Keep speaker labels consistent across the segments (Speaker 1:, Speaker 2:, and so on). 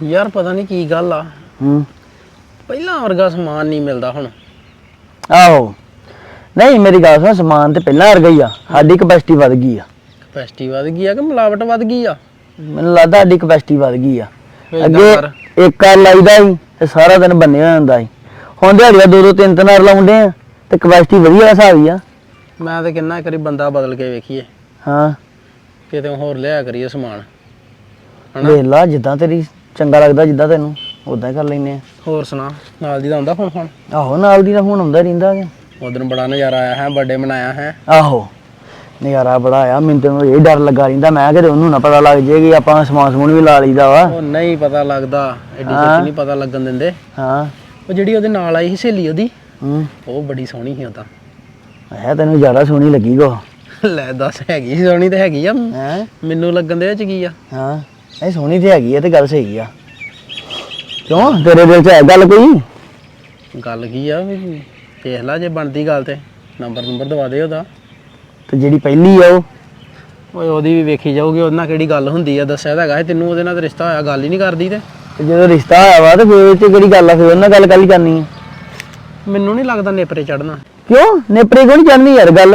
Speaker 1: ਯਾਰ ਪਤਾ ਨਹੀਂ ਕੀ ਗੱਲ ਆ ਪਹਿਲਾਂ ਵਰਗਾ ਸਮਾਨ ਨਹੀਂ ਮਿਲਦਾ ਹੁਣ।
Speaker 2: ਆਹੋ ਨਹੀਂ ਮੇਰੀ ਗੱਲ ਸੁਣ, ਸਮਾਨ ਤੇ ਪਹਿਲਾਂ ਵਰਗਾ ਹੀ ਆ, ਸਾਡੀ ਕਪੈਸਿਟੀ ਵੱਧ ਗਈ ਆ।
Speaker 1: ਕਪੈਸਿਟੀ ਵੱਧ ਗਈ ਆ ਕਿ ਮਿਲਾਵਟ ਵੱਧ ਗਈ ਆ?
Speaker 2: ਮੈਨੂੰ ਲੱਗਦਾ ਸਾਡੀ ਕਪੈਸਿਟੀ ਵੱਧ ਗਈ ਆ। ਅੱਗੇ ਇੱਕ ਕਰ ਲਾਈਦਾ ਸੀ ਤੇ ਸਾਰਾ ਦਿਨ ਬੰਨਿਆ ਹੁੰਦਾ ਸੀ, ਹੁਣ ਦਿਹਾੜੀਆਂ 2-2 3-3 ਵਾਰ ਲਾਉਂਦੇ ਆ ਤੇ ਕਪੈਸਿਟੀ ਵਧੀਆ ਹਿਸਾਬ ਹੀ ਆ।
Speaker 1: ਮੈਂ ਤੇ ਕਿੰਨਾ ਕਰੀ ਬੰਦਾ ਬਦਲ ਕੇ ਵੇਖੀਏ,
Speaker 2: ਹਾਂ
Speaker 1: ਕਿਤੇ ਹੋਰ ਲਿਆ ਕਰੀਏ ਸਮਾਨ।
Speaker 2: ਵੇਖ ਲਾ ਜਿੱਦਾਂ ਤੇਰੀ ਚੰਗਾ ਲੱਗਦਾ, ਜਿੱਦਾਂ ਤੈਨੂੰ ਉਦਾਂ ਹੀ ਕਰ ਲੈਨੇ ਆ।
Speaker 1: ਹੋਰ ਸੁਣਾ, ਨਾਲ ਦੀ ਦਾ ਆਉਂਦਾ ਫੋਨ?
Speaker 2: ਆਹੋ ਨਾਲ ਦੀ ਦਾ ਹੁਣ ਆਉਂਦਾ ਰਹਿੰਦਾ।
Speaker 1: ਉਦੋਂ ਬੜਾ ਨਜ਼ਾਰਾ ਆਇਆ ਹੈ, ਬਰਥਡੇ ਮਨਾਇਆ ਹੈ।
Speaker 2: ਆਹੋ ਨਜ਼ਾਰਾ ਬੜਾ ਆਇਆ, ਮੈਨੂੰ ਤਾਂ ਇਹ ਡਰ ਲੱਗਾ ਰਹਿੰਦਾ ਮੈਂ ਕਿਤੇ ਉਹਨੂੰ ਨਾ ਪਤਾ ਲੱਗ ਜੇ ਕਿ ਆਪਾਂ ਸਮਾਨ ਵੀ ਲਾ ਲਈਦਾ ਵਾ।
Speaker 1: ਉਹ ਨਹੀਂ ਪਤਾ ਲੱਗਦਾ, ਐਡੀ ਛੇਤੀ ਨਹੀਂ ਪਤਾ ਲੱਗਣ ਦਿੰਦੇ।
Speaker 2: ਹਾਂ
Speaker 1: ਉਹ ਜਿਹੜੀ ਉਹਦੇ ਨਾਲ ਆਈ ਸੀ ਸਹੇਲੀ ਉਹਦੀ, ਉਹ ਬੜੀ ਸੋਹਣੀ ਸੀ। ਉਹ ਤਾਂ
Speaker 2: ਹੈ ਤੈਨੂੰ ਜ਼ਿਆਦਾ ਸੋਹਣੀ ਲੱਗੀ ਕੋ?
Speaker 1: ਲੈ ਦੱਸ, ਹੈਗੀ ਸੀ ਸੋਹਣੀ ਤੇ ਹੈਗੀ ਆ,
Speaker 2: ਹੈ
Speaker 1: ਮੈਨੂੰ ਲੱਗਣ ਦੇ ਵਿੱਚ ਕੀ ਆ।
Speaker 2: ਹਾਂ ਇਹ ਸੋਹਣੀ ਤੇ ਹੈਗੀ ਆ ਤੇ ਗੱਲ ਸਹੀ ਆ। ਕਿਉਂ ਤੇਰੇ ਦਿਲ 'ਚ ਹੈ ਗੱਲ ਕੋਈ?
Speaker 1: ਗੱਲ ਕੀ ਆ, ਦੇਖ ਲਾ ਜੇ ਬਣਦੀ ਗੱਲ ਤੇ ਨੰਬਰ ਦਵਾ ਦੇ ਉਹਦਾ।
Speaker 2: ਤੇ ਜਿਹੜੀ ਪਹਿਲੀ ਆ ਉਹ?
Speaker 1: ਓਏ ਉਹਦੀ ਵੀ ਵੇਖੀ ਜਾਊਗੀ, ਉਹਦੇ ਨਾਲ ਕਿਹੜੀ ਗੱਲ ਹੁੰਦੀ ਆ। ਦੱਸਿਆ ਤਾਂ ਹੈਗਾ ਤੈਨੂੰ ਉਹਦੇ ਨਾਲ ਤਾਂ ਰਿਸ਼ਤਾ ਹੋਇਆ, ਗੱਲ ਹੀ ਨਹੀਂ ਕਰਦੀ। ਤੇ
Speaker 2: ਜਦੋਂ ਰਿਸ਼ਤਾ ਹੋਇਆ ਵਾ ਤੇ ਫਿਰ ਤੇ ਕਿਹੜੀ ਗੱਲ ਆ, ਫਿਰ ਉਹਨਾਂ ਗੱਲ ਕੱਲ ਕਰਨੀ ਆ।
Speaker 1: ਮੈਨੂੰ ਨਹੀਂ ਲੱਗਦਾ ਨੇਪਰੇ ਚੜਨਾ।
Speaker 2: ਕਿਉਂ ਨੇਪਰੇ ਕਿਉਂ ਨਹੀਂ ਚੜਨੀ ਯਾਰ ਗੱਲ?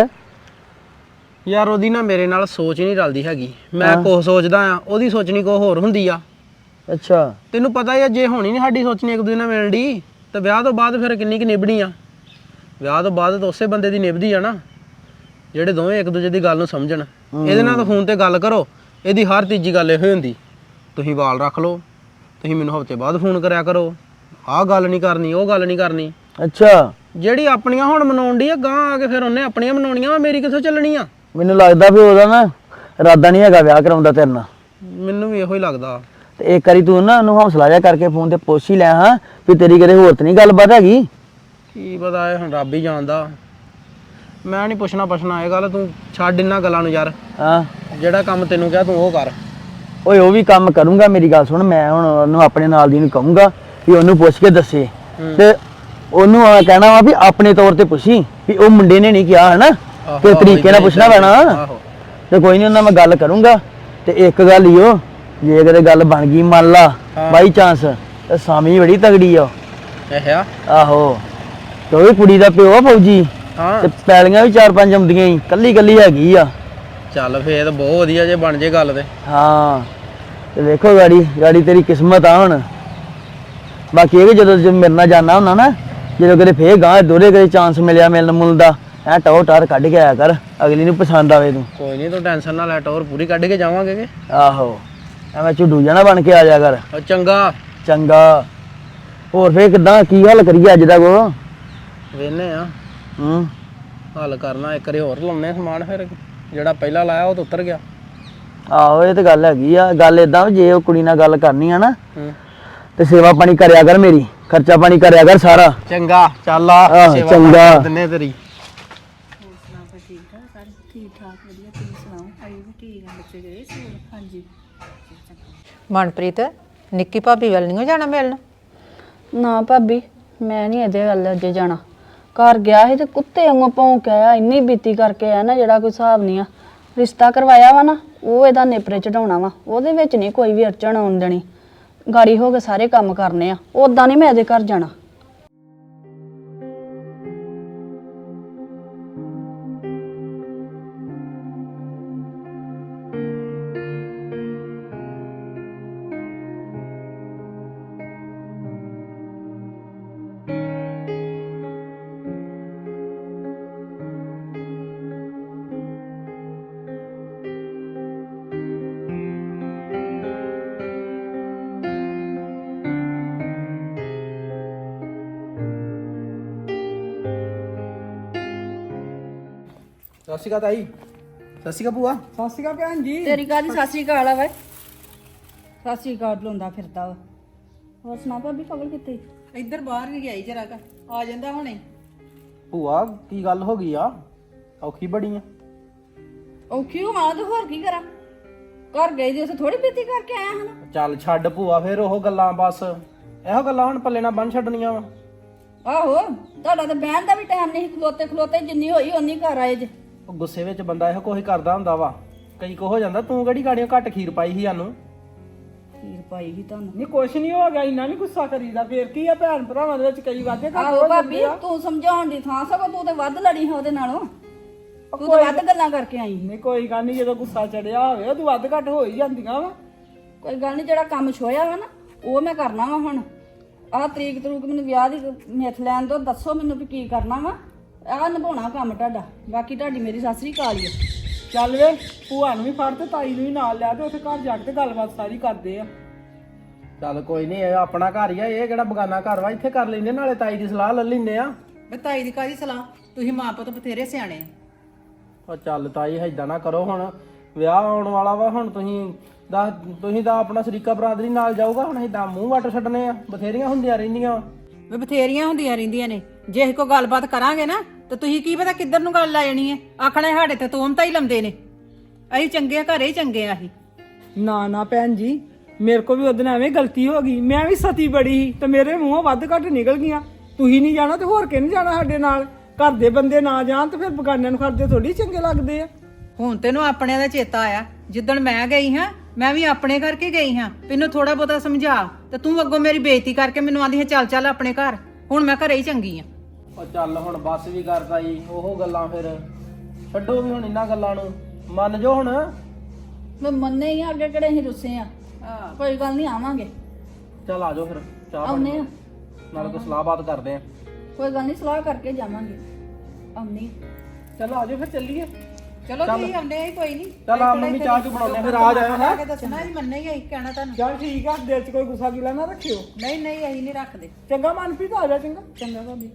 Speaker 1: ਯਾਰ ਉਹਦੀ ਨਾ ਮੇਰੇ ਨਾਲ ਸੋਚ ਹੀ ਨਹੀਂ ਰਲਦੀ ਹੈਗੀ। ਮੈਂ ਕੁਛ ਸੋਚਦਾ ਆ, ਉਹਦੀ ਸੋਚਣੀ ਕੋ ਹੋਰ ਹੁੰਦੀ ਆ।
Speaker 2: ਅੱਛਾ
Speaker 1: ਤੈਨੂੰ ਪਤਾ ਹੀ ਆ, ਜੇ ਹੋਣੀ ਨਹੀਂ ਸਾਡੀ ਸੋਚਣੀ ਇੱਕ ਦੂਜੇ ਨਾਲ ਮਿਲਣ ਦੀ ਤੇ ਵਿਆਹ ਤੋਂ ਬਾਅਦ ਫਿਰ ਕਿੰਨੀ ਕੁ ਨਿਭਣੀ ਆ। ਵਿਆਹ ਤੋਂ ਬਾਅਦ ਤਾਂ ਉਸੇ ਬੰਦੇ ਦੀ ਨਿਭਦੀ ਆ ਨਾ ਜਿਹੜੇ ਦੋਵੇਂ ਇੱਕ ਦੂਜੇ ਦੀ ਗੱਲ ਨੂੰ ਸਮਝਣ। ਇਹਦੇ ਨਾਲ ਤਾਂ ਫੋਨ ਤੇ ਗੱਲ ਕਰੋ, ਇਹਦੀ ਹਰ ਤੀਜੀ ਗੱਲ ਇਹੋ ਹੁੰਦੀ, ਤੁਸੀਂ ਵਾਲ ਰੱਖ ਲਓ, ਤੁਸੀਂ ਮੈਨੂੰ ਹਫ਼ਤੇ ਬਾਅਦ ਫੋਨ ਕਰਿਆ ਕਰੋ, ਆਹ ਗੱਲ ਨਹੀਂ ਕਰਨੀ, ਉਹ ਗੱਲ ਨਹੀਂ ਕਰਨੀ।
Speaker 2: ਅੱਛਾ
Speaker 1: ਜਿਹੜੀ ਆਪਣੀਆਂ ਹੁਣ ਮਨਾਉਣ ਦੀ ਆ, ਗਾਂ ਆ ਕੇ ਫਿਰ ਉਹਨੇ ਆਪਣੀਆਂ ਮਨਾਉਣੀਆਂ ਵਾ, ਮੇਰੀ ਕਿੱਥੋਂ ਚੱਲਣੀ ਆ?
Speaker 2: ਮੈਨੂੰ ਲੱਗਦਾ ਵੀ ਉਹਦਾ ਨਾ ਇਰਾਦਾ ਨਹੀਂ ਹੈਗਾ ਵਿਆਹ ਕਰਾਉਂਦਾ ਤੇਰੇ ਨਾਲ।
Speaker 1: ਮੈਨੂੰ ਵੀ ਇਹੋ ਹੀ ਲੱਗਦਾ।
Speaker 2: ਤੇ ਇੱਕ ਵਾਰੀ ਤੂੰ ਨਾ ਉਹਨੂੰ ਹੌਸਲਾ ਜਿਹਾ ਕਰਕੇ ਫੋਨ ਤੇ ਪੁੱਛ ਹੀ ਲੈ ਹਾਂ ਵੀ ਤੇਰੀ ਕਦੇ ਹੋਰ ਤੇ ਨਹੀਂ ਗੱਲਬਾਤ ਹੈਗੀ।
Speaker 1: ਕੀ ਪਤਾ, ਇਹ ਹੁਣ ਰੱਬ ਹੀ ਜਾਣਦਾ। ਮੈਂ ਨਹੀਂ ਪੁੱਛਣਾ ਇਹ ਗੱਲ, ਤੂੰ ਛੱਡ ਇਹਨਾਂ ਗੱਲਾਂ ਨੂੰ ਯਾਰ।
Speaker 2: ਹਾਂ
Speaker 1: ਜਿਹੜਾ ਕੰਮ ਤੈਨੂੰ ਕਿਹਾ ਤੂੰ ਉਹ ਕਰ।
Speaker 2: ਓਏ ਉਹ ਵੀ ਕੰਮ ਕਰੂੰਗਾ, ਮੇਰੀ ਗੱਲ ਸੁਣ। ਮੈਂ ਹੁਣ ਉਹਨੂੰ ਆਪਣੇ ਨਾਲ ਦੀ ਨੂੰ ਕਹੂੰਗਾ ਵੀ ਉਹਨੂੰ ਪੁੱਛ ਕੇ ਦੱਸੇ, ਤੇ ਉਹਨੂੰ ਕਹਿਣਾ ਵਾ ਵੀ ਆਪਣੇ ਤੌਰ ਤੇ ਪੁੱਛੀ ਵੀ ਉਹ ਮੁੰਡੇ ਨੇ ਨਹੀਂ ਕਿਹਾ ਹੈ ਨਾ, ਕਿ ਤਰੀਕੇ ਨਾਲ ਪੁੱਛਣਾ ਪੈਣਾ। ਤੇ ਕੋਈ ਨਹੀਂ, ਉਹਨਾਂ ਮੈਂ ਗੱਲ ਕਰੂੰਗਾ। ਤੇ ਇੱਕ ਗੱਲ ਹੀ ਉਹ, ਜੇ ਕਦੇ ਗੱਲ ਬਣ ਗਈ ਮੰਨ ਲਾ ਬਾਈ ਚਾਂਸ, ਤੇ ਸਾਮੀ ਬੜੀ ਤਗੜੀ ਆ। ਆਹੋ ਤੇ ਉਹ ਵੀ ਕੁੜੀ ਦਾ ਪਿਓ ਆ ਫੌਜੀ, ਤੇ ਪੈਲੀਆਂ ਵੀ 4-5 ਆਉਂਦੀਆਂ ਹੀ, ਕੱਲੀ ਹੈਗੀ ਆ।
Speaker 1: ਚੱਲ ਫੇਰ ਤਾਂ ਬਹੁਤ ਵਧੀਆ ਜੇ ਬਣ ਜੇ ਗੱਲ ਤੇ। ਹਾਂ
Speaker 2: ਤੇ ਵੇਖੋ ਗਾੜੀ ਤੇਰੀ ਕਿਸਮਤ ਆ ਹੁਣ। ਬਾਕੀ ਇਹ ਕਿ ਜਦੋਂ ਮੇਰੇ ਨਾਲ ਜਾਣਾ ਹੁੰਦਾ ਨਾ, ਜਦੋਂ ਕਦੇ ਫੇਰ ਗਾਂ ਦੋਰੇ ਕਦੇ ਚਾਂਸ ਮਿਲਿਆ ਮਿਲਣ ਮੁਲਣ ਦਾ, ਐ ਟੌਰ ਟਾਰ ਕੱਢ ਕੇ ਆਇਆ ਕਰ, ਅਗਲੀ ਨੂੰ ਪਸੰਦ ਆਵੇ ਤੂੰ।
Speaker 1: ਕੋਈ ਨਹੀਂ, ਤੂੰ ਟੈਨਸ਼ਨ ਨਾ ਲੈ, ਟੌਰ ਪੂਰੀ ਕੱਢ ਕੇ ਜਾਵਾਂਗੇ ਕਿ।
Speaker 2: ਆਹੋ ਐਵੇਂ ਝੁੱਡੂ ਜਾਣਾ ਬਣ ਕੇ ਆ ਜਾ ਕਰ।
Speaker 1: ਚੰਗਾ
Speaker 2: ਚੰਗਾ। ਹੋਰ ਫੇਰ ਕਿੱਦਾਂ, ਕੀ ਹੱਲ ਕਰੀਏ ਅੱਜ ਦਾ ਕੋ?
Speaker 1: ਵੇਨੇ ਆ ਹੱਲ ਕਰਨਾ, ਇੱਕ ਵਾਰੀ ਹੋਰ ਲਾਉਣੇ ਸਮਾਨ, ਫਿਰ ਜਿਹੜਾ ਪਹਿਲਾਂ ਲਾਇਆ ਉਹ ਤਾਂ ਉਤਰ ਗਿਆ।
Speaker 2: ਆਹੋ ਇਹ ਤੇ ਗੱਲ ਹੈਗੀ ਆ। ਗੱਲ ਏਦਾਂ, ਜੇ ਉਹ ਕੁੜੀ ਨਾਲ ਗੱਲ ਕਰਨੀ ਆ ਨਾ ਤੇ ਸੇਵਾ ਪਾਣੀ ਕਰਿਆ ਕਰ, ਮੇਰੀ ਖਰਚਾ ਪਾਣੀ ਕਰਿਆ ਕਰ ਸਾਰਾ।
Speaker 1: ਚੰਗਾ ਚੱਲ ਆ, ਸੇਵਾ
Speaker 2: ਚੰਗਾ
Speaker 1: ਕਰ ਦਿੰਨੇ ਤੇਰੀ।
Speaker 3: ਮਨਪ੍ਰੀਤ, ਨਿੱਕੀ ਭਾਬੀ ਵੱਲ ਨਹੀਂ ਜਾਣਾ ਮਿਲਣ?
Speaker 4: ਨਾ ਭਾਬੀ, ਮੈਂ ਨਹੀਂ ਇਹਦੇ ਵੱਲ ਅੱਜੇ ਜਾਣਾ। ਘਰ ਗਿਆ ਸੀ ਤੇ ਕੁੱਤੇ ਵਾਂਗੂ ਭੌਂਕ ਆਇਆ, ਇੰਨੀ ਬੀਤੀ ਕਰਕੇ ਆਇਆ ਨਾ ਜਿਹੜਾ ਕੋਈ ਹਿਸਾਬ ਨਹੀਂ ਆ। ਰਿਸ਼ਤਾ ਕਰਵਾਇਆ ਵਾ ਨਾ, ਉਹ ਇਹਦਾ ਨੇਪਰੇ ਚੜਾਉਣਾ ਵਾ, ਉਹਦੇ ਵਿੱਚ ਨਹੀਂ ਕੋਈ ਵੀ ਅੜਚਣ ਆਉਣ ਦੇਣੀ। ਗਾੜੀ ਹੋ ਕੇ ਸਾਰੇ ਕੰਮ ਕਰਨੇ ਆ, ਉਦਾਂ ਨਹੀਂ ਮੈਂ ਇਹਦੇ ਘਰ ਜਾਣਾ।
Speaker 1: ਸਤਿ ਸ਼੍ਰੀ ਅਕਾਲ ਤਾਈ। ਸਤਿ ਸ਼੍ਰੀ ਅਕਾਲ ਭੂਆ।
Speaker 5: ਸਤਿ ਸ਼੍ਰੀ ਅਕਾਲ ਭੈਣ ਜੀ।
Speaker 4: ਤੇਰੀ ਕਾਹਦੀ ਸਤਿ ਸ਼੍ਰੀ ਅਕਾਲ ਆ ਵੇ? ਸਤਿ ਸ਼੍ਰੀ ਅਕਾਲ ਲਾਉਂਦਾ ਫਿਰਦਾ ਵਾ। ਹੋਰ ਸੁਣਾ ਭਾਬੀ, ਕਵਲ ਕਿੱਥੇ?
Speaker 5: ਇੱਧਰ ਬਾਹਰ ਵੀ ਗਿਆ ਹੀ ਜਰਾ ਕ, ਆ ਜਾਂਦਾ ਹੁਣੇ।
Speaker 1: ਭੂਆ ਕੀ ਗੱਲ ਹੋ ਗਈ ਆ? ਔਖੀ ਬੜੀ ਆ।
Speaker 4: ਔਖੀ ਹੋਵਾਂ ਤੇ ਹੋਰ ਕੀ ਕਰਾਂ? ਘਰ ਗਈ ਦੀ, ਉੱਥੇ ਥੋੜੀ ਬੀਤੀ ਕਰਕੇ ਆਇਆ ਹਨ।
Speaker 1: ਚੱਲ ਛੱਡ ਭੂਆ, ਫਿਰ ਉਹ ਗੱਲਾਂ, ਬਸ ਇਹੋ ਗੱਲਾਂ ਹੁਣ ਪੱਲੇ ਨਾਲ ਬੰਨ ਛੱਡਣੀਆਂ ਵਾ।
Speaker 4: ਆਹੋ, ਤੁਹਾਡਾ ਤਾਂ ਬਹਿਣ ਦਾ ਵੀ ਟਾਈਮ ਨਹੀਂ, ਖਲੋਤੇ ਜਿੰਨੀ ਹੋਈ ਓਨੀ ਘਰ ਆਏ ਜੇ।
Speaker 1: ਉਹ ਗੁੱਸੇ ਵਿੱਚ ਬੰਦਾ ਇਹੋ ਕੁਝ ਕਰਦਾ ਹੁੰਦਾ ਵਾ, ਕਈ ਕੋ ਹੋ ਜਾਂਦਾ। ਤੂੰ ਕਿਹੜੀ ਗਾੜੀਆਂ ਘੱਟ ਖੀਰ ਪਾਈ ਸੀ ਸਾਨੂੰ?
Speaker 4: ਤੀਰ ਪਾਈ ਸੀ ਤੁਹਾਨੂੰ
Speaker 5: ਨਹੀਂ ਕੁਛ ਨਹੀਂ ਹੋ ਗਿਆ, ਇੰਨਾ ਨਹੀਂ ਗੁੱਸਾ ਕਰੀਦਾ, ਫੇਰ ਕੀ ਆ, ਭੈਣ ਭਰਾਵਾਂ ਦੇ ਵਿੱਚ ਕਈ ਵਾਦੇ ਘੱਟ
Speaker 4: ਆਹੋ
Speaker 5: ਹੋ
Speaker 4: ਭਾਬੀ
Speaker 5: ਜਾਂਦੇ ਆ।
Speaker 4: ਤੂੰ ਸਮਝਾਉਣ ਦੀ ਥਾਂ ਸਗੋਂ ਤੂੰ ਤੇ ਵੱਧ ਲੜੀ ਹੈ ਉਹਦੇ ਨਾਲੋਂ, ਤੂੰ ਤਾਂ ਵੱਧ ਗੱਲਾਂ ਕਰਕੇ ਆਈ
Speaker 5: ਨਹੀਂ ਕੋਈ ਗੱਲ ਨਹੀਂ, ਜਦੋਂ ਗੁੱਸਾ ਚੜਿਆ ਹੋਵੇ ਉਦੋਂ ਵੱਧ ਘੱਟ ਹੋ ਹੀ ਜਾਂਦੀਆਂ ਵਾ।
Speaker 4: ਕੋਈ ਗੱਲ ਨਹੀਂ, ਜਿਹੜਾ ਕੰਮ ਛੋਇਆ ਵਾ ਨਾ ਉਹ ਮੈਂ ਕਰਨਾ ਵਾ ਹੁਣ। ਆਹ ਤਰੀਕ ਮੈਨੂੰ ਵਿਆਹ ਦੀ ਮਿੱਥ ਲੈਣ ਦੋ, ਦੱਸੋ ਮੈਨੂੰ ਵੀ ਕੀ ਕਰਨਾ ਵਾ। ਆਹ ਨਿਭਾਉਣਾ ਕੰਮ ਤੁਹਾਡਾ, ਬਾਕੀ ਤੁਹਾਡੀ ਮੇਰੀ ਸਤਿ ਸ੍ਰੀ ਅਕਾਲ ਹੀ ਆ।
Speaker 5: ਚੱਲ ਵੇ, ਭੂਆ ਨੂੰ ਵੀ ਫੜ ਤੇ ਤਾਈ ਨੂੰ ਵੀ ਨਾਲ ਲਿਆ ਤੇ ਉੱਥੇ ਘਰ ਜਾ ਕੇ ਤੇ ਗੱਲਬਾਤ ਸਾਰੀ ਕਰਦੇ ਆ।
Speaker 1: ਚੱਲ ਕੋਈ ਨਹੀਂ, ਇਹ ਆਪਣਾ ਘਰ ਹੀ ਆ, ਇਹ ਕਿਹੜਾ ਬਗਾਨਾ ਘਰ ਵਾ, ਇੱਥੇ ਕਰ ਲੈਂਦੇ, ਨਾਲੇ ਤਾਈ ਦੀ ਸਲਾਹ ਲੈ ਲੈਂਦੇ ਆ।
Speaker 5: ਤਾਈ ਦੀ ਕਾਹਦੀ ਸਲਾਹ, ਤੁਸੀਂ ਮਾਂ ਪੁੱਤ ਬਥੇਰੇ ਸਿਆਣੇ ਆ।
Speaker 1: ਉਹ ਚੱਲ ਤਾਈ ਏਦਾਂ ਨਾ ਕਰੋ, ਹੁਣ ਵਿਆਹ ਆਉਣ ਵਾਲਾ ਵਾ, ਹੁਣ ਤੁਸੀਂ ਤਾਂ ਆਪਣਾ ਸ਼ਰੀਕਾ ਬਰਾਦਰੀ ਨਾਲ ਜਾਊਗਾ, ਹੁਣ ਏਦਾਂ ਮੂੰਹ ਵੱਟ ਛੱਡਨੇ ਆ, ਬਥੇਰੀਆਂ ਹੁੰਦੀਆਂ ਰਹਿੰਦੀਆਂ ਵਾ।
Speaker 5: ਵੇ ਬਥੇਰੀਆਂ ਹੁੰਦੀਆਂ ਰਹਿੰਦੀਆਂ ਨੇ, ਜੇ ਅਸੀਂ ਕੋਈ ਗੱਲਬਾਤ ਕਰਾਂਗੇ ਨਾ ਤੇ ਤੁਸੀਂ ਕੀ ਪਤਾ ਕਿੱਧਰ ਨੂੰ ਗੱਲ ਆ ਜਾਣੀ ਹੈ। ਆਖਣਾ ਸਾਡੇ ਤੇ ਤੋਮਤਾ ਹੀ ਲੰਦੇ ਨੇ, ਅਸੀਂ ਚੰਗੇ ਆ, ਘਰੇ ਹੀ ਚੰਗੇ ਆ ਅਸੀਂ। ਨਾ ਨਾ ਭੈਣ ਜੀ, ਮੇਰੇ ਕੋ ਵੀ ਉਹਦੇ ਨਾਲ ਐਵੇਂ ਗਲਤੀ ਹੋ ਗਈ, ਮੈਂ ਵੀ ਸਤੀ ਬੜੀ ਸੀ ਤੇ ਮੇਰੇ ਮੂੰਹੋਂ ਵੱਧ ਘੱਟ ਨਿਕਲ ਗਈਆਂ। ਤੁਸੀਂ ਨਹੀਂ ਜਾਣਾ ਤੇ ਹੋਰ ਕਿਹਨੇ ਜਾਣਾ ਸਾਡੇ ਨਾਲ? ਘਰ ਦੇ ਬੰਦੇ ਨਾ ਜਾਣ ਤੇ ਫਿਰ ਬਗਾਨਿਆਂ ਨੂੰ ਕਰਦੇ ਥੋੜੀ ਚੰਗੇ ਲੱਗਦੇ ਆ। ਹੁਣ ਤੈਨੂੰ ਆਪਣਿਆਂ ਦਾ ਚੇਤਾ ਆਇਆ, ਜਿੱਦਣ ਮੈਂ ਗਈ ਹਾਂ ਮੈਂ ਵੀ ਆਪਣੇ ਕਰਕੇ ਗਈ ਹਾਂ, ਮੈਨੂੰ ਥੋੜਾ ਬਹੁਤਾ ਸਮਝਾ, ਤੇ ਤੂੰ ਅੱਗੋਂ ਮੇਰੀ ਬੇਇੱਜ਼ਤੀ ਕਰਕੇ ਮੈਨੂੰ ਆਂਦੀ ਹੈ ਚੱਲ ਚੱਲ ਆਪਣੇ ਘਰ। ਹੁਣ ਮੈਂ ਘਰੇ ਹੀ ਚੰਗੀ ਆ।
Speaker 1: ਉਹ ਚੱਲ ਹੁਣ ਬੱਸ ਵੀ ਕਰਦਾ ਜੀ, ਉਹ ਗੱਲਾਂ ਫਿਰ ਛੱਡੋ ਵੀ ਹੁਣ ਇਹਨਾਂ ਗੱਲਾਂ ਨੂੰ, ਮੰਨ ਜੋ ਹੁਣ।
Speaker 4: ਮੈਂ ਮੰਨੇ ਹੀ ਆ, ਅੱਗੇ ਕਿਹੜੇ ਅਸੀਂ ਰੁੱਸੇ ਆ। ਕੋਈ ਗੱਲ ਨਹੀਂ, ਆਵਾਂਗੇ।
Speaker 1: ਚੱਲ ਆ ਜਾਓ ਫਿਰ, ਚਾਹ
Speaker 4: ਆਉਨੇ
Speaker 1: ਪਾਣੀ
Speaker 4: ਆ,
Speaker 1: ਨਾਲ ਕੋਈ ਸਲਾਹਬਾਤ ਕਰਦੇ ਆ।
Speaker 4: ਕੋਈ ਗੱਲ ਨਹੀਂ, ਸਲਾਹ ਕਰਕੇ ਜਾਵਾਂਗੇ। ਆਉਣੀ
Speaker 5: ਚਲੋ ਆ ਜਾਓ ਫਿਰ ਚੱਲੀਏ। ਚਲੋ ਤੁਸੀਂ ਆਉਂਦੇ ਆ, ਕੋਈ ਨਹੀਂ।
Speaker 1: ਚੱਲ ਆ ਮੰਮੀ ਚਾਹ ਚੂ ਬਣਾਉਂਦੇ ਆ, ਫਿਰ ਆ ਜਾਇਓ ਹੈ।
Speaker 5: ਦੱਸਣਾ ਹੀ ਮੰਨੇ ਹੀ ਕਹਿਣਾ ਤੁਹਾਨੂੰ। ਚਲ ਠੀਕ ਆ, ਦਿਲ 'ਚ ਕੋਈ ਗੁੱਸਾ ਗਿਲਾ ਨਾ ਰੱਖਿਓ। ਨਹੀਂ ਨਹੀਂ, ਅਸੀਂ ਨਹੀਂ ਰੱਖਦੇ। ਚੰਗਾ ਮਨਪ੍ਰੀਤ, ਆ ਜਾ। ਚੰਗਾ ਚੰਗਾ ਭਾਬੀ।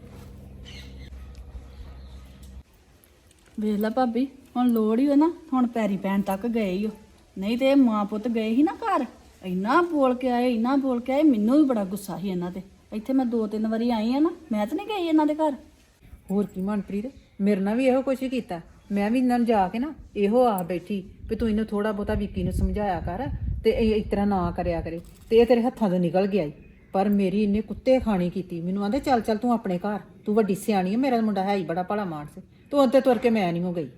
Speaker 4: ਵੇਖ ਲੈ ਭਾਬੀ, ਹੁਣ ਲੋੜ ਹੀ ਹੋ ਨਾ, ਹੁਣ ਪੈਰੀ ਪੈਣ ਤੱਕ ਗਏ ਹੀ ਹੋ। ਨਹੀਂ ਤੇ ਇਹ ਮਾਂ ਪੁੱਤ ਗਏ ਸੀ ਨਾ ਘਰ, ਇੰਨਾ ਬੋਲ ਕੇ ਆਏ, ਇੰਨਾ ਬੋਲ ਕੇ ਆਏ, ਮੈਨੂੰ ਵੀ ਬੜਾ ਗੁੱਸਾ ਸੀ ਇਹਨਾਂ ਤੇ। ਇੱਥੇ ਮੈਂ 2-3 ਵਾਰੀ ਆਈ ਆ ਨਾ, ਮੈਂ ਤਾਂ ਨਹੀਂ ਗਈ ਇਹਨਾਂ ਦੇ ਘਰ।
Speaker 5: ਹੋਰ ਕੀ ਮਨਪ੍ਰੀਤ, ਮੇਰੇ ਨਾਲ ਵੀ ਇਹੋ ਕੁਛ ਹੀ ਕੀਤਾ। ਮੈਂ ਵੀ ਇਹਨਾਂ ਨੂੰ ਜਾ ਕੇ ਨਾ ਇਹੋ ਆ ਬੈਠੀ ਵੀ ਤੂੰ ਇਹਨੂੰ ਥੋੜਾ ਬਹੁਤਾ ਵਿੱਕੀ ਨੂੰ ਸਮਝਾਇਆ ਕਰ ਤੇ ਇਹ ਇਸ ਤਰ੍ਹਾਂ ਨਾ ਕਰਿਆ ਕਰੇ, ਤੇ ਇਹ ਤੇਰੇ ਹੱਥਾਂ ਤੋਂ ਨਿਕਲ ਗਿਆ ਈ। ਪਰ ਮੇਰੀ ਇਹਨੇ ਕੁੱਤੇ ਖਾਣੀ ਕੀਤੀ। ਮੈਨੂੰ ਆਂਦੇ ਚੱਲ ਚੱਲ ਤੂੰ ਆਪਣੇ ਘਰ, ਤੂੰ ਵੱਡੀ ਸਿਆਣੀ ਹੈ, ਮੇਰਾ ਮੁੰਡਾ ਹੈ ਹੀ ਬੜਾ ਭਲਾ ਮਾਨਸ, ਤੂੰ ਅੱਧੇ ਤੁਰ ਕੇ ਮੈਂ ਨਹੀਂ ਹੋ ਗਈ।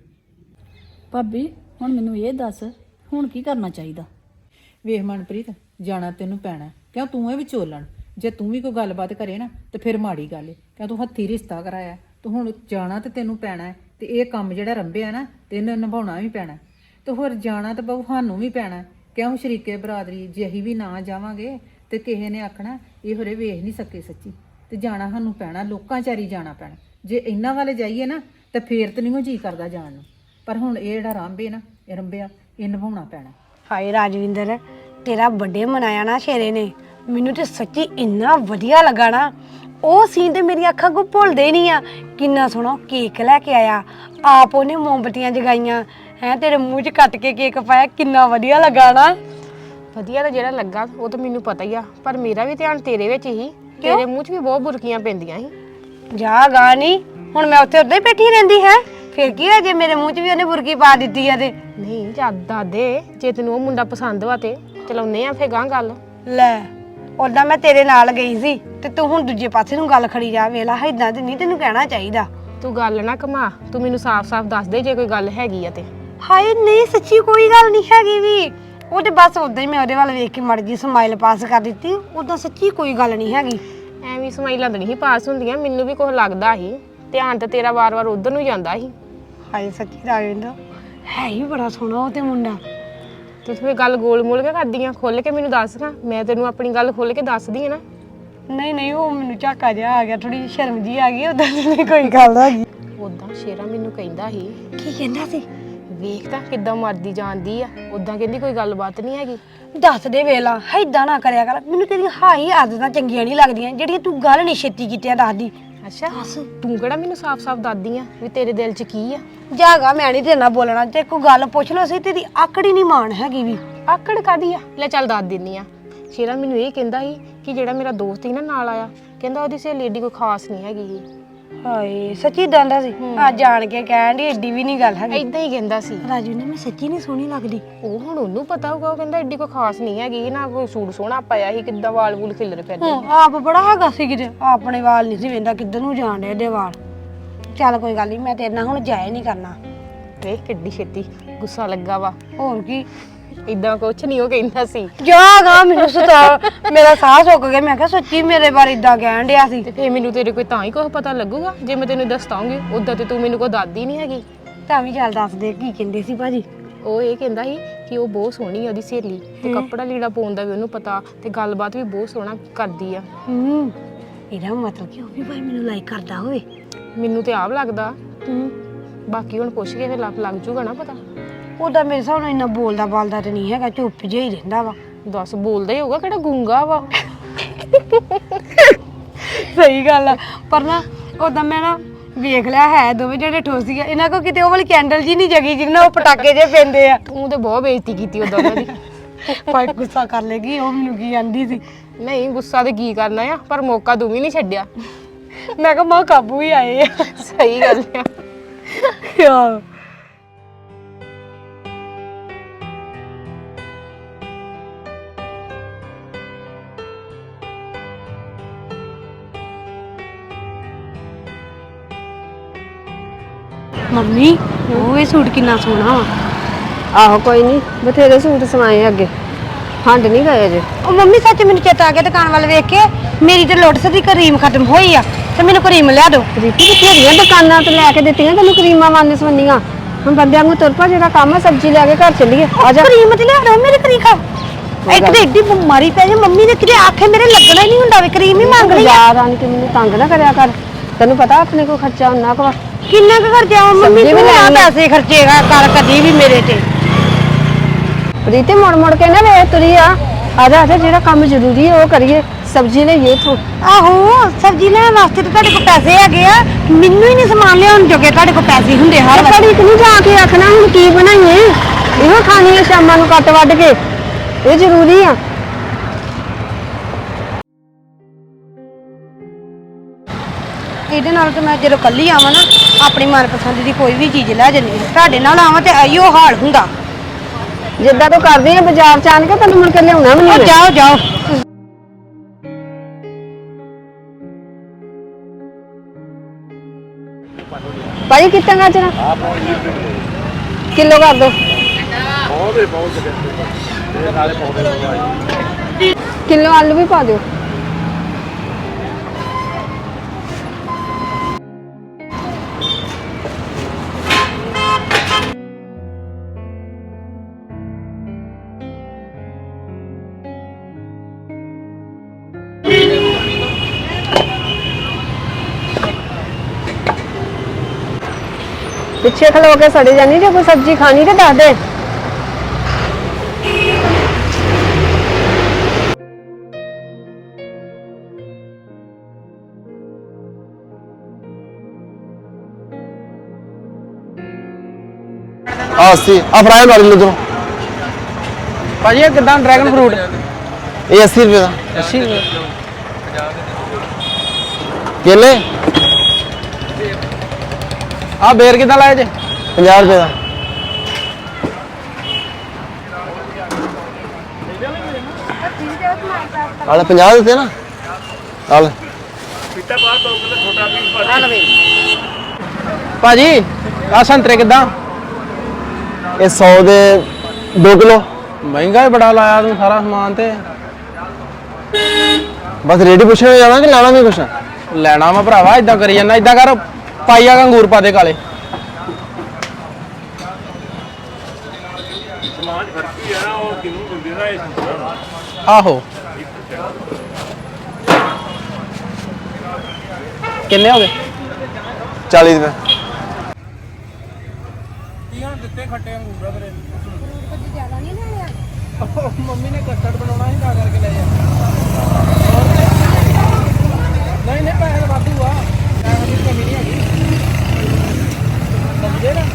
Speaker 4: ਭਾਬੀ ਹੁਣ ਮੈਨੂੰ ਇਹ ਦੱਸ, ਹੁਣ ਕੀ ਕਰਨਾ ਚਾਹੀਦਾ?
Speaker 5: ਵੇਖ ਮਨਪ੍ਰੀਤ, ਜਾਣਾ ਤੈਨੂੰ ਪੈਣਾ, ਕਿਉਂ ਤੂੰ ਇਹ ਵਿਚੋਲਣ। ਜੇ ਤੂੰ ਵੀ ਕੋਈ ਗੱਲਬਾਤ ਕਰੇ ਨਾ ਤੇ ਫਿਰ ਮਾੜੀ ਗੱਲ ਏ, ਕਿਉਂ ਤੂੰ ਹੱਥੀ ਰਿਸ਼ਤਾ ਕਰਾਇਆ, ਤੂੰ ਹੁਣ ਜਾਣਾ ਤੇ ਤੈਨੂੰ ਪੈਣਾ ਹੈ। ਤੇ ਇਹ ਕੰਮ ਜਿਹੜਾ ਰੰਭਿਆ ਨਾ ਤੇ ਇਹਨੂੰ ਨਿਭਾਉਣਾ ਵੀ ਪੈਣਾ, ਤੇ ਹੋਰ ਜਾਣਾ ਤੇ ਬਹੁ ਸਾਨੂੰ ਵੀ ਪੈਣਾ। ਕਿਉਂ ਸ਼ਰੀਕੇ ਬਰਾਦਰੀ, ਜੇ ਅਸੀਂ ਵੀ ਨਾ ਜਾਵਾਂਗੇ ਤੇ ਕਿਸੇ ਨੇ ਆਖਣਾ ਇਹ ਹੋਰੇ ਵੇਖ ਨਹੀਂ ਸਕੇ ਸੱਚੀ, ਤੇ ਜਾਣਾ ਸਾਨੂੰ ਪੈਣਾ, ਲੋਕਾਂ ਚਾਰੀ ਜਾਣਾ ਪੈਣਾ। ਜੇ ਇਹਨਾਂ ਵਾਲੇ ਜਾਈਏ ਨਾ ਤੇ ਫੇਰ ਤੇ ਨਹੀਂ ਜੀ ਕਰਦਾ ਜਾਣ ਨੂੰ, ਪਰ ਹੁਣ ਇਹ ਜਿਹੜਾ ਰੰਭੇ ਨਾ, ਇਹ ਰੰਭਿਆ, ਇਹ ਨਿਭਾਉਣਾ ਪੈਣਾ।
Speaker 6: ਹਾਏ ਰਾਜਵਿੰਦਰ, ਤੇਰਾ ਬਰਥਡੇ ਮਨਾਇਆ ਨਾ ਸ਼ੇਰੇ ਨੇ, ਮੈਨੂੰ ਤੇ ਸੱਚੀ ਇੰਨਾ ਵਧੀਆ ਲੱਗਾ ਨਾ। ਉਹ ਸੀਨ ਤੇ ਮੇਰੀਆਂ ਅੱਖਾਂ ਕੋ ਭੁੱਲਦੇ ਨਹੀਂ ਆ। ਕਿੰਨਾ ਸੋਹਣਾ ਕੇਕ ਲੈ ਕੇ ਆਇਆ, ਆਪ ਉਹਨੇ ਮੋਮਬਤੀਆਂ ਜਗਾਈਆਂ ਹੈ, ਤੇਰੇ ਮੂੰਹ 'ਚ ਕੱਟ ਕੇ ਕੇਕ ਪਾਇਆ, ਕਿੰਨਾ ਵਧੀਆ ਲੱਗਾ ਨਾ।
Speaker 7: ਵਧੀਆ ਤਾਂ ਜਿਹੜਾ ਲੱਗਾ ਉਹ ਤਾਂ ਮੈਨੂੰ ਪਤਾ ਹੀ ਆ, ਪਰ ਮੇਰਾ ਵੀ ਧਿਆਨ ਤੇਰੇ ਵਿੱਚ ਹੀ। ਤੇਰੇ ਮੂੰਹ 'ਚ ਵੀ ਬਹੁਤ ਬੁਰਕੀਆਂ ਪੈਂਦੀਆਂ ਸੀ।
Speaker 6: ਜਾ ਗਾ ਨਹੀਂ, ਹੁਣ ਮੈਂ ਉੱਥੇ ਉੱਦਾਂ ਹੀ ਬੈਠੀ ਰਹਿੰਦੀ ਹੈ, ਫਿਰ ਕੀ ਹੋਇਆ ਜੇ ਮੇਰੇ ਮੂੰਹ 'ਚ ਵੀ ਉਹਨੇ ਬੁਰਕੀ ਪਾ ਦਿੱਤੀ ਆ ਤੇ?
Speaker 7: ਨਹੀਂ ਜਿਆਦਾ ਦੇ, ਜੇ ਤੈਨੂੰ ਉਹ ਮੁੰਡਾ ਪਸੰਦ ਵਾ ਤੇ ਚਲਾਉਨੇ ਆ ਫੇਰ ਗਾਂ ਗੱਲ।
Speaker 6: ਲੈ ਉਦਾਂ ਮੈਂ ਤੇਰੇ ਨਾਲ ਗਈ ਸੀ ਤੇ ਤੂੰ ਹੁਣ ਦੂਜੇ ਪਾਸੇ ਨੂੰ ਗੱਲ ਖੜੀ ਜਾ। ਵੇਲਾ ਇਦਾਂ ਤੇ ਨਹੀਂ ਤੈਨੂੰ ਕਹਿਣਾ ਚਾਹੀਦਾ।
Speaker 7: ਤੂੰ ਗੱਲ ਨਾ ਘਮਾ, ਤੂੰ ਮੈਨੂੰ ਸਾਫ਼-ਸਾਫ਼ ਦੱਸ ਦੇ ਜੇ ਕੋਈ ਗੱਲ ਹੈਗੀ ਆ ਤੇ।
Speaker 6: ਹਾਏ ਨਹੀਂ, ਸੱਚੀ ਕੋਈ ਗੱਲ ਨਹੀਂ ਹੈਗੀ ਵੀ। ਉਹ ਤੇ ਬਸ ਉਦਾਂ ਹੀ ਮੈਂ ਉਹਦੇ ਵੱਲ ਵੇਖ ਕੇ ਮੜ ਜੀ ਸਮਾਈਲ ਪਾਸ ਕਰ ਦਿੱਤੀ, ਉਦਾਂ ਸੱਚੀ ਕੋਈ ਗੱਲ ਨਹੀਂ ਹੈਗੀ।
Speaker 7: ਐਵੇਂ ਸਮਾਈਲਾਂ ਤਾਂ ਨਹੀਂ ਪਾਸ ਹੁੰਦੀਆਂ, ਮੈਨੂੰ ਵੀ ਕੁਝ ਲੱਗਦਾ ਸੀ, ਧਿਆਨ ਤਾਂ ਤੇਰਾ ਵਾਰ-ਵਾਰ ਉਧਰ ਨੂੰ ਜਾਂਦਾ ਸੀ।
Speaker 6: ਹਾਏ ਸੱਚੀ ਰਾਜਿੰਦਰ, ਹੈ ਹੀ ਬੜਾ ਸੋਹਣਾ ਉਹ ਤੇ ਮੁੰਡਾ।
Speaker 7: ਤੂੰ ਫੇਰ ਗੱਲ ਗੋਲ-ਮੋਲ ਕੇ ਕਰਦੀ ਆ, ਖੁੱਲ ਕੇ ਮੈਨੂੰ ਦੱਸ ਨਾ, ਮੈਂ ਤੈਨੂੰ ਆਪਣੀ ਗੱਲ ਖੁੱਲ ਕੇ ਦੱਸਦੀ ਆ ਨਾ।
Speaker 6: ਨਹੀਂ ਨਹੀਂ, ਉਹ ਮੈਨੂੰ ਝਾਕਾ ਜਿਹਾ ਆ ਗਿਆ, ਥੋੜੀ ਸ਼ਰਮ ਜੀ ਆ ਗਈ, ਉਦਾਂ ਨਹੀਂ ਕੋਈ ਗੱਲ ਹੈਗੀ।
Speaker 7: ਉਦਾਂ ਸ਼ੇਰਾ ਮੈਨੂੰ ਕਹਿੰਦਾ ਸੀ,
Speaker 6: ਕੀ ਕਹਿੰਦਾ ਸੀ?
Speaker 7: ਵੇਖ ਤਾਂ ਕਿੱਦਾਂ ਮਰਦੀ ਜਾਂਦੀ ਆ, ਉਦਾਂ ਕਹਿੰਦੀ ਕੋਈ ਗੱਲਬਾਤ ਨਹੀਂ ਹੈਗੀ।
Speaker 6: ਦੱਸ ਦੇ ਵੇਲਾ, ਏਦਾਂ ਨਾ ਕਰਿਆ ਕਰ, ਮੈਨੂੰ ਤੇਰੀਆਂ ਹਾਈ ਆਦਤਾਂ ਚੰਗੀਆਂ ਨਹੀਂ ਲੱਗਦੀਆਂ, ਜਿਹੜੀਆਂ ਤੂੰ ਗੱਲ ਨਹੀਂ ਛੇਤੀ ਕੀਤੀਆਂ ਦੱਸਦੀ।
Speaker 7: ਅੱਛਾ ਤੂੰ ਕਿਹੜਾ ਮੈਨੂੰ ਸਾਫ਼-ਸਾਫ਼ ਦੱਸਦੀ ਆ ਵੀ ਤੇਰੇ ਦਿਲ 'ਚ ਕੀ ਆ?
Speaker 6: ਜਾਗਾ ਮੈਂ ਨਹੀਂ ਤੇਰੇ ਨਾਲ ਬੋਲਣਾ, ਤੇ ਕੋਈ ਗੱਲ ਪੁੱਛ ਲੋ ਸੀ, ਤੇਰੀ ਆਕੜੀ ਨਹੀਂ ਮਾਣ ਹੈਗੀ ਵੀ।
Speaker 7: ਆਕੜ ਕਾਦੀ ਆ? ਲੈ ਚੱਲ ਦੱਸ ਦਿੰਨੀ ਆ। ਸ਼ੇਰਾ ਮੈਨੂੰ ਇਹ ਕਹਿੰਦਾ ਸੀ ਕਿ ਜਿਹੜਾ ਮੇਰਾ ਦੋਸਤ ਸੀ ਨਾ ਨਾਲ ਆਇਆ, ਕਹਿੰਦਾ ਉਹਦੀ ਸਹੇਲੀ ਏਡੀ ਕੋਈ ਖਾਸ ਨਹੀਂ ਹੈਗੀ ਸੀ।
Speaker 6: ਹਾਏ ਸੱਚੀ ਦੰਦਾ ਸੀ? ਆ ਜਾਣ ਕੇ ਕਹਿਣ ਦੀ ਏਡੀ ਵੀ ਨਹੀਂ ਗੱਲ ਹੈਗੀ।
Speaker 7: ਏਦਾਂ ਹੀ ਕਹਿੰਦਾ ਸੀ।
Speaker 6: ਰਾਜੂ ਨੇ ਮੈਂ ਸੱਚੀ ਨਹੀਂ ਸੋਹਣੀ ਲੱਗਦੀ?
Speaker 7: ਉਹ ਹੁਣ ਉਹਨੂੰ ਪਤਾ ਹੋਊਗਾ, ਉਹ ਕਹਿੰਦਾ ਏਡੀ ਕੋਈ ਖਾਸ ਨਹੀਂ ਹੈਗੀ, ਨਾ ਕੋਈ ਸੂਟ ਸੋਹਣਾ ਪਾਇਆ ਸੀ, ਕਿੱਦਾਂ ਵਾਲ ਵੂਲ ਖਿਲਰ ਫਿਰਦੇ।
Speaker 6: ਆਪ ਬੜਾ ਹੈਗਾ ਸੀ ਕਿਤੇ, ਆਪਣੇ ਵਾਲ ਨਹੀਂ ਸੀ ਵੇਂਦਾ, ਕਿੱਧਰ ਨੂੰ ਜਾਣ ਡੇ ਇਹਦੇ ਵਾਲ। ਚੱਲ ਕੋਈ ਗੱਲ ਨਹੀਂ, ਮੈਂ ਤੇਰੇ ਨਾਲ ਹੁਣ ਜਾਏ ਨਹੀਂ ਕਰਨਾ।
Speaker 7: ਵੇਖ ਕਿੱਡੀ ਛੇਤੀ ਗੁੱਸਾ ਲੱਗਾ ਵਾ।
Speaker 6: ਹੋਰ ਕੀ,
Speaker 7: ਇਦਾਂ ਕੁਛ ਨਹੀਂ ਉਹ ਕਹਿੰਦਾ ਸੀ।
Speaker 6: ਜਾਗਾ ਮੈਨੂੰ ਸਤਾ ਮੇਰਾ ਸਾਹ ਸੁੱਕ ਗਿਆ। ਮੈਂ ਕਿਹਾ ਸੱਚੀ ਮੇਰੇ ਬਾਰੇ ਇਦਾਂ ਕਹਿਣ ਡਿਆ ਸੀ।
Speaker 7: ਤੇ ਫੇਰ ਮੈਨੂੰ ਤੇਰੇ ਕੋਈ ਤਾਂ ਹੀ ਕੁਛ ਪਤਾ ਲੱਗੂਗਾ ਜੇ ਮੈਂ ਤੈਨੂੰ ਦੱਸਾਂਗੀ। ਉਦਾਂ ਤੇ ਤੂੰ ਮੈਨੂੰ ਕੋਈ ਦਾਦੀ ਨਹੀਂ ਹੈਗੀ।
Speaker 6: ਤਾਂ ਵੀ ਚੱਲ ਦੱਸ ਦੇ ਕੀ ਕਹਿੰਦੇ ਸੀ ਭਾਜੀ।
Speaker 7: ਉਹ ਇਹ ਕਹਿੰਦਾ ਸੀ ਕਿ ਉਹ ਬਹੁਤ ਸੋਹਣੀ ਆ ਉਹਦੀ ਸਹੇਲੀ ਤੇ ਕੱਪੜਾ ਲੀੜਾ ਪਾਉਣ ਦਾ ਵੀ ਉਹਨੂੰ ਪਤਾ ਤੇ ਗੱਲਬਾਤ ਵੀ ਬਹੁਤ ਸੋਹਣਾ ਕਰਦੀ ਆ।
Speaker 6: ਇਹਦਾ ਮਤਲਬ ਕਿ ਉਹ ਵੀ ਭਾਈ ਮੈਨੂੰ ਲਾਈਕ ਕਰਦਾ ਹੋਵੇ।
Speaker 7: ਮੈਨੂੰ ਤੇ ਆਪ ਲੱਗਦਾ। ਬਾਕੀ ਹੁਣ ਪੁੱਛ ਕੇ ਫਿਰ ਲੱਗ ਜੂਗਾ ਨਾ ਪਤਾ।
Speaker 6: ਉਹਦਾ ਮੇਰੇ ਹਿਸਾਬ ਨਾਲ ਇੰਨਾ ਬੋਲਦਾ ਬਾਲਦਾ ਤੇ ਨਹੀਂ ਹੈਗਾ, ਚੁੱਪ ਜਿਹਾ ਹੀ ਰਹਿੰਦਾ ਵਾ।
Speaker 7: ਦੱਸ ਬੋਲਦਾ ਹੀ ਹੋਊਗਾ, ਕਿਹੜਾ ਗੂੰਗਾ ਵਾ।
Speaker 6: ਸਹੀ ਗੱਲ ਆ। ਪਰ ਨਾ ਉਹਦਾ ਮੈਂ ਨਾ ਵੇਖ ਲਿਆ ਹੈ ਦੋਵੇਂ ਜਿਹੜੇ ਠੋਸੀ ਆ। ਇਹਨਾਂ ਕੋ ਕਿਤੇ ਉਹ ਵਾਲੀ ਕੈਂਡਲ ਜੀ ਨਹੀਂ ਜਗੀ ਜਿਹਨਾਂ ਉਹ ਪਟਾਕੇ ਜੇ ਪੈਂਦੇ ਆ।
Speaker 7: ਤੂੰ ਤੇ ਬਹੁਤ ਬੇਇੱਜ਼ਤੀ ਕੀਤੀ ਉਦੋਂ ਉਹਨਾਂ ਦੀ।
Speaker 6: ਭਾਈ ਗੁੱਸਾ ਕਰ ਲੇਗੀ, ਉਹ ਮੈਨੂੰ ਕੀ ਆਂਦੀ ਸੀ।
Speaker 7: ਨਹੀਂ ਗੁੱਸਾ ਤੇ ਕੀ ਕਰਨਾ ਆ, ਪਰ ਮੌਕਾ ਤੂੰ ਵੀ ਨਹੀਂ ਛੱਡਿਆ।
Speaker 6: ਮੈਂ ਕਿਹਾ ਮਾਂ ਕਾਬੂ ਹੀ ਆਏ ਆ।
Speaker 7: ਸਹੀ ਗੱਲ ਆ।
Speaker 6: ਯਾਰ ਮੰਮੀ ਉਹ ਇਹ ਸੂਟ ਕਿੰਨਾ ਸੋਹਣਾ ਵਾ।
Speaker 8: ਆਹੋ ਕੋਈ ਨਹੀਂ, ਬਥੇਰੇ ਸੂਟ ਸਵਾਏ ਅੱਗੇ, ਹੰਡ ਨਹੀਂ ਗਏ ਜੇ।
Speaker 6: ਉਹ ਮੰਮੀ ਸੱਚ ਮੈਨੂੰ ਚੇਤਾ ਆ ਗਿਆ ਦੁਕਾਨ ਵੱਲ ਵੇਖ ਕੇ, ਮੇਰੀ ਤੇ ਲੋਟਸ ਦੀ ਕਰੀਮ ਖਤਮ ਹੋਈ ਆ ਤੇ ਮੈਨੂੰ ਕਰੀਮ ਲਿਆ ਦਿਓ।
Speaker 8: ਰੀਤੀ ਬਥੇਰੀਆਂ ਦੁਕਾਨਾਂ ਤੇ ਲੈ ਕੇ ਦਿੱਤੀਆਂ ਤੈਨੂੰ ਕਰੀਮਾਂ ਵੰਨ ਸਵੰਨੀਆਂ। ਹੁਣ ਬੰਦਿਆਂ ਨੂੰ ਤੁਰ ਪਾ, ਜਿਹੜਾ ਕੰਮ ਆ ਸਬਜ਼ੀ ਲੈ ਕੇ ਘਰ ਚੱਲੀਏ।
Speaker 6: ਆ ਜਾ ਕਰੀਮ ਤੇ ਲਿਆ ਦਿਓ ਮੇਰੀ ਕਰੀਮ ਖਾ। ਇੱਕ ਤੇ ਏਡੀ ਬਿਮਾਰੀ ਪੈ ਜਾ ਮੰਮੀ ਨੇ, ਕਿਤੇ ਆਖੇ ਮੇਰੇ ਲੱਗਣਾ ਹੀ ਨਹੀਂ ਹੁੰਦਾ ਵੀ ਕਰੀਮ ਹੀ ਮੰਗ ਲਈ ਆ।
Speaker 8: ਯਾਰ ਆਣ ਕੇ ਮੈਨੂੰ ਤੰਗ ਨਾ ਕਰਿਆ ਕਰ, ਤੈਨੂੰ ਪਤਾ ਆਪਣੇ ਕੋਲ ਖਰਚਾ ਉਨਾ ਕੁ ਵਾ।
Speaker 6: ਕਿੰਨਾ ਕੁ ਖਰਚਾ ਵਾ ਮੰਮੀ?
Speaker 8: ਸਬਜ਼ੀ ਵੀ
Speaker 6: ਤੂੰ ਆ
Speaker 8: ਲੈਣੀ ਆ।
Speaker 6: ਪੈਸੇ ਖਰਚੇਗਾ ਕਰ ਕਦੀ ਵੀ ਮੇਰੇ ਤੇ।
Speaker 8: ਰੀਤੀ ਮੁੜ ਮੁੜ ਕੇ ਨਾ ਵੇਖ ਤੁਰੀ ਆ ਜਾ ਜਿਹੜਾ ਕੰਮ ਜ਼ਰੂਰੀ ਹੈ ਉਹ ਕਰੀਏ। ਸਬਜ਼ੀ ਲਈਏ ਤੂੰ।
Speaker 6: ਆਹੋ ਸਬਜ਼ੀ ਲੈਣ ਵਾਸਤੇ ਤੇ ਤੁਹਾਡੇ ਕੋਲ ਪੈਸੇ ਹੈਗੇ ਆ, ਮੈਨੂੰ ਹੀ ਨਹੀਂ ਸਮਾਨ ਲਿਆਉਣ ਜੋਗੇ ਤੁਹਾਡੇ ਕੋਲ ਪੈਸੇ ਹੁੰਦੇ ਹਰ ਵਾਰ।
Speaker 8: ਘੜੀ ਨਹੀਂ ਜਾ ਕੇ ਆਖਣਾ ਹੁਣ ਕੀ ਬਣਾਈਏ, ਇਹੋ ਖਾਣੀ ਹੈ ਸ਼ਾਮਾਂ ਨੂੰ ਕੱਟ ਵੱਢ ਕੇ, ਇਹ ਜ਼ਰੂਰੀ ਆ।
Speaker 6: ਇਹਦੇ ਨਾਲ ਤੇ ਮੈਂ ਜਦੋਂ ਕੱਲੀ ਆਵਾਂ ਨਾ ਆਪਣੀ ਮਨਪਸੰਦ ਦੀ ਕੋਈ ਵੀ ਚੀਜ਼ ਲੈ ਜੰਨੀ ਆ। ਤੁਹਾਡੇ ਨਾਲ ਆਵਾਂ ਤੇ ਆਈਓ ਹਾਲ ਹੁੰਦਾ।
Speaker 8: ਜਿੱਦਾਂ ਤੂੰ ਕਰਦੀ ਆ ਬਾਜ਼ਾਰ ਚ ਆਣ ਕੇ ਤੈਨੂੰ ਮੁੜ ਕੇ ਲਿਆਉਣਾ ਵੀ ਨਹੀਂ।
Speaker 6: ਜਾਓ ਜਾਓ।
Speaker 8: ਭਾਈ ਕਿੱਦਾਂ ਗਾਜਰਾਂ ਕਿਲੋ ਕਰ ਦੋ। ਕਿਲੋ ਆਲੂ ਵੀ ਪਾ ਦਿਓ। ਪਿੱਛੇ ਖਲੋ ਕੇ ਸੜੇ ਜਾਨੀ, ਜੇ ਕੋਈ ਸਬਜ਼ੀ ਖਾਣੀ ਤੇ ਦੱਸ ਦੇ।
Speaker 2: अस्सी फ्राई मार लो।
Speaker 1: ਭਾਜੀ ਇਹ ਕਿਦਾਂ ਡਰੈਗਨ ਫਰੂਟ?
Speaker 2: ये 80 रुपये का।
Speaker 1: 80 ਰੁਪਏ।
Speaker 2: केले
Speaker 1: ਆ ਬੇਰ ਕਿਦਾਂ ਲਾਏ ਜੇ?
Speaker 2: 50 रुपये का। आले 50 देते ना। आले
Speaker 1: ਭਾਜੀ ਆ ਸੰਤਰੇ ਕਿਦਾਂ?
Speaker 2: ये 100 दे 2 किलो।
Speaker 1: ਮਹਿੰਗਾ ਹੀ ਬੜਾ ਲਾਇਆ ਤੂੰ ਸਾਰਾ ਸਮਾਨ ਤੇ।
Speaker 2: बस रेडी पूछने जाना कि लाना भी कुछ?
Speaker 1: ਲੈਣਾ ਵਾ ਭਰਾਵਾ, ਇਦਾਂ ਕਰੀ ਜਾਂਦਾ। ਇਦਾਂ ਕਰ ਪਾਈਆ ਅੰਗੂਰ ਪਾ ਦੇ ਕਾਲੇ। ਆਹੋ ਕਿੰਨੇ ਹੋ ਗਏ?
Speaker 2: 40 रुपये।
Speaker 1: ਦਿੱਤੇ ਖੱਟੇ ਅੰਗੂਰ ਵੀਰੇ। ਮੰਮੀ ਨੇ ਕਸਟਰਡ ਬਣਾਉਣਾ ਸੀ ਤਾਂ ਕਰਕੇ ਲੈ ਜਾ। ਨਹੀਂ ਨਹੀਂ ਪੈਸੇ ਤਾਂ ਵਾਧੂ ਆ, ਪੈਸੇ ਦੀ ਕਮੀ ਨਹੀਂ ਹੈਗੀ। ਸਮਝੇ ਨਾ?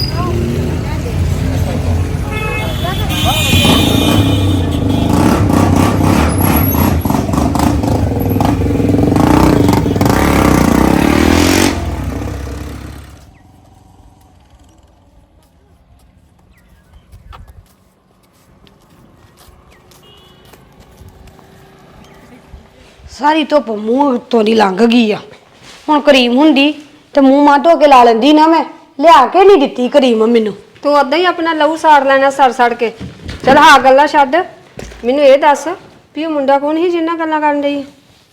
Speaker 6: ਸਾਰੀ ਧੁੱਪ ਮੂੰਹ ਉੱਤੋਂ ਦੀ ਲੰਘ ਗਈ ਆ। ਹੁਣ ਕਰੀਮ ਹੁੰਦੀ ਤੇ ਮੂੰਹ ਮਾਂ ਧੋ ਕੇ ਲਾ ਲੈਂਦੀ ਨਾ। ਮੈਂ ਲਿਆ ਕੇ ਨਹੀਂ ਦਿੱਤੀ ਕਰੀਮ ਮੈਨੂੰ।
Speaker 8: ਤੂੰ ਉਦਾਂ ਹੀ ਆਪਣਾ ਲਹੂ ਸਾੜ ਲੈਣਾ ਸੜ ਸੜ ਕੇ। ਚਲ ਹਾਂ ਗੱਲਾਂ ਛੱਡ, ਮੈਨੂੰ ਇਹ ਦੱਸ ਵੀ ਉਹ ਮੁੰਡਾ ਕੌਣ ਸੀ ਜਿੰਨਾ ਗੱਲਾਂ ਕਰਨ ਡਈ?